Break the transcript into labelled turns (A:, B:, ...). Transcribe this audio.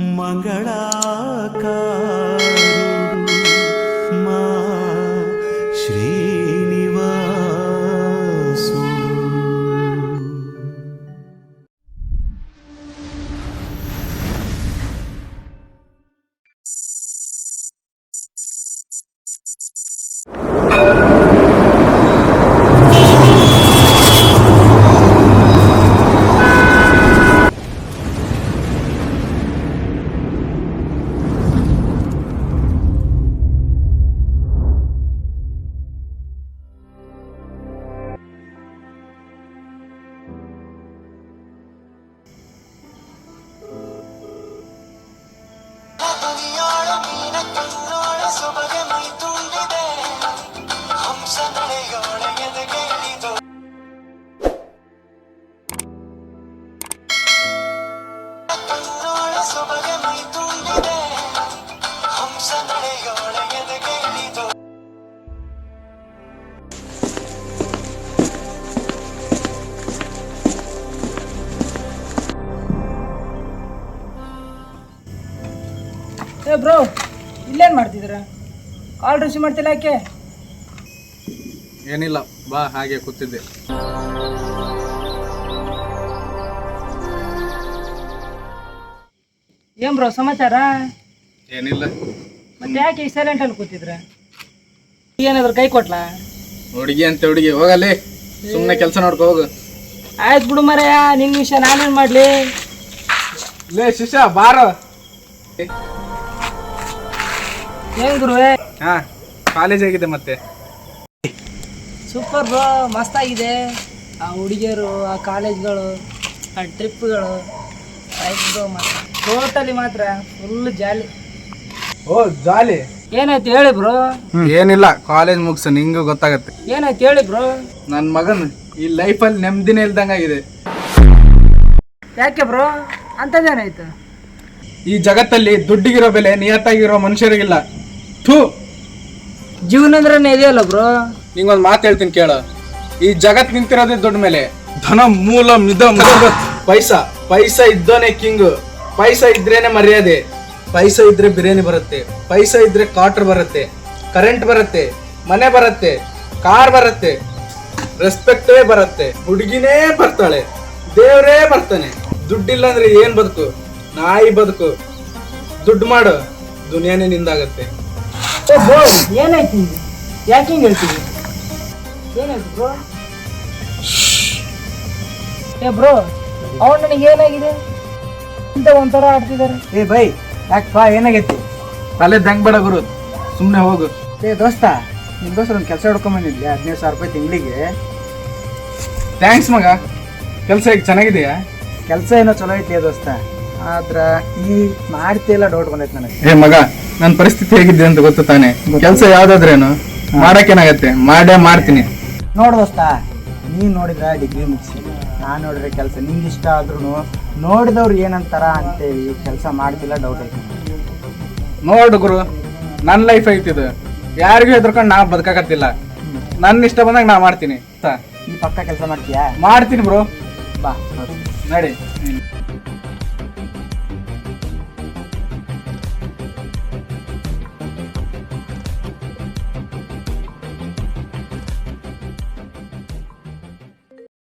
A: ಮಂಗಳಾಕಾರುಡು ಮಾ ಶ್ರೀನಿವಾಸುಡು.
B: ಏ ಬ್ರೋ, ಇಲ್ಲೇನು ಮಾಡ್ತಿದ್ದೀರಾ? ಕಾಲ್ ರಿಸೀವ್ ಮಾಡ್ತಿಲ್ಲ ಯಾಕೆ?
C: ಏನಿಲ್ಲ, ಬಾ ಹಾಗೆ ಕೂತಿದ್ದೆ.
B: ಏನ್ ಬ್ರೋ ಸಮಾಚಾರ?
C: ಏನಿಲ್ಲ.
B: ಮತ್ತೆ ಯಾಕೆ ಈ ಸೈಲೆಂಟ್ ಅಲ್ಲಿ ಕೂತಿದ್ರ? ಏನಾದ್ರು ಕೈ ಕೊಟ್ಲಾ?
C: ಹುಡುಗಿ ಅಂತ ಹುಡುಗಿ, ಹೋಗಲ್ಲಿ ಸುಮ್ಮನೆ ಕೆಲಸ ನೋಡ್ಕೊ ಹೋಗು.
B: ಆಯ್ತು ಬಿಡು ಮರೆಯ, ನಿನ್ನ ವಿಷಯ ನಾನೇನು ಮಾಡ್ಲಿ?
C: ಲೇ ಶಿಷ್ಯ ಬಾರೋ.
B: ಏನ್ ಗುರುವೆ?
C: ಹಾ, ಕಾಲೇಜ್ ಆಗಿದೆ ಮತ್ತೆ.
B: ಸೂಪರ್ ಬ್ರೋ, ಮಸ್ತಾಗಿದೆ. ಆ ಹುಡುಗಿಯರು, ಆ ಕಾಲೇಜ್ಗಳು, ಆ ಟ್ರಿಪ್ಗಳು, ಟೋಟಲಿ ಮಾತ್ರ ಫುಲ್ ಜಾಲಿ.
C: ಓ ಜಾಲಿ.
B: ಏನಾಯ್ತು ಹೇಳಿ ಬ್ರೋ?
C: ಏನಿಲ್ಲ, ಕಾಲೇಜ್ ಮುಗಿಸು, ನಿಂಗೂ ಗೊತ್ತಾಗತ್ತೆ.
B: ಏನಾಯ್ತು ಹೇಳಿ ಬ್ರೋ?
C: ನನ್ನ ಮಗನ್ ಈ ಲೈಫಲ್ಲಿ ನೆಮ್ಮದಿನೇ ಇಲ್ದಂಗಾಗಿದೆ.
B: ಯಾಕೆ ಬ್ರೋ, ಅಂಥದ್ದೇನಾಯ್ತು?
C: ಈ ಜಗತ್ತಲ್ಲಿ ದುಡ್ಡಿಗಿರೋ ಬೆಲೆ ನಿಯತ್ತಾಗಿರೋ ಮನುಷ್ಯರಿಗಿಲ್ಲ. ಥೂ,
B: ಜೀವನ ಅಂದ್ರೆ ಇದೆಯಲ್ಲ ಬ್ರೋ.
C: ನಿಂಗೊಂದು ಮಾತು ಹೇಳ್ತೀನಿ ಕೇಳ. ಈ ಜಗತ್ ನಿಂತಿರೋದೇ ದುಡ್ಡ ಮೇಲೆ. ಧನ ಮೂಲ ಮಿದ ಪೈಸಾ. ಪೈಸಾ ಇದ್ದೋನೆ ಕಿಂಗ್. ಪೈಸಾ ಇದ್ರೇನೆ ಮರ್ಯಾದೆ. ಪೈಸಾ ಇದ್ರೆ ಬಿರಿಯಾನಿ ಬರುತ್ತೆ. ಪೈಸಾ ಇದ್ರೆ ಕ್ವಾರ್ಟರ್ ಬರುತ್ತೆ, ಕರೆಂಟ್ ಬರುತ್ತೆ, ಮನೆ ಬರುತ್ತೆ, ಕಾರ್ ಬರುತ್ತೆ, ರೆಸ್ಪೆಕ್ಟೇ ಬರುತ್ತೆ, ಹುಡುಗಿನೇ ಬರ್ತಾಳೆ, ದೇವರೇ ಬರ್ತಾನೆ. ದುಡ್ಡಿಲ್ಲ ಅಂದ್ರೆ ಏನ್ ಬದುಕು? ನಾಯಿ ಬದುಕು. ದುಡ್ಡು ಮಾಡು, ದುನಿಯಾನೇ ನಿಂದಾಗತ್ತೆ.
B: ಏನಾಯ್ತು? ಯಾಕೆ ಹಿಂಗೆ ಹೇಳ್ತೀವಿ? ಏನಾಯ್ತು ಬ್ರೋ? ಏ ಬ್ರೋ, ಅವ್ರು ನನಗೆ ಏನಾಗಿದೆ ಅಂತ ಒಂಥರ ಆಡ್ತಿದ್ದಾರೆ.
D: ಏ ಬೈ, ಯಾಕಪ್ಪ ಏನಾಗೈತಿ?
C: ತಲೆ ದಂಗ್ ಬೇಡ ಗುರು, ಸುಮ್ಮನೆ ಹೋಗು.
D: ಏ ದೋಸ್ತ, ನಿಮ್ಮ ದೋಸ್ತ ಒಂದು ಕೆಲಸ ಹಿಡ್ಕೊಂಬಂದಿದ್ದೆ 15,000 ರೂಪಾಯಿ ತಿಂಗಳಿಗೆ.
C: ಥ್ಯಾಂಕ್ಸ್ ಮಗ. ಕೆಲಸ ಈಗ ಚೆನ್ನಾಗಿದೆಯಾ?
D: ಕೆಲಸ ಏನೋ ಚಲೋ ಐತಿ ದೋಸ್ತ, ಆದ್ರ ಈ ಮಾಡ್ತಿಲ್ಲ ಡೌಟ್ ಬಂದೈತೆ ನನಗೆ.
C: ಏ ಮಗ, ನನ್ನ ಪರಿಸ್ಥಿತಿ ಹೇಗಿದ್ದೆ ಅಂತ ಗೊತ್ತು ತಾನೆ. ಕೆಲಸ ಯಾವ್ದಾದ್ರೇನು ಮಾಡಕ್ಕೇನಾಗತ್ತೆ, ಮಾಡೇ ಮಾಡ್ತೀನಿ.
D: ನೋಡ್ ದೋಸ್ತ, ನೀನ್ ನೋಡಿದ್ರ ಡಿಗ್ರಿ ಮುಗಿಸಿ, ನಾನು ನೋಡಿದ್ರೆ ಕೆಲಸ ನಿಂಗೆ ಇಷ್ಟ ಆದ್ರೂ ನೋಡಿದವ್ರು ಏನಂತಾರ ಅಂತೇಳಿ ಕೆಲಸ ಮಾಡ್ತಿಲ್ಲ, ಡೌಟ್ ಐತಿ.
C: ನೋಡು ಗುರು, ನನ್ನ ಲೈಫ್ ಐತಿದು. ಯಾರಿಗೂ ಹೆದರ್ಕೊಂಡು ನಾ ಬದುಕಾಕತ್ತಿಲ್ಲ. ನನ್ನ ಇಷ್ಟ ಬಂದಾಗ ನಾ ಮಾಡ್ತೀನಿ.
D: ಈ ಪಕ್ಕ ಕೆಲಸ ಮಾಡ್ತೀಯಾ?
C: ಮಾಡ್ತೀನಿ ಬ್ರೋ.
D: ಬಾ
C: ನಡಿ.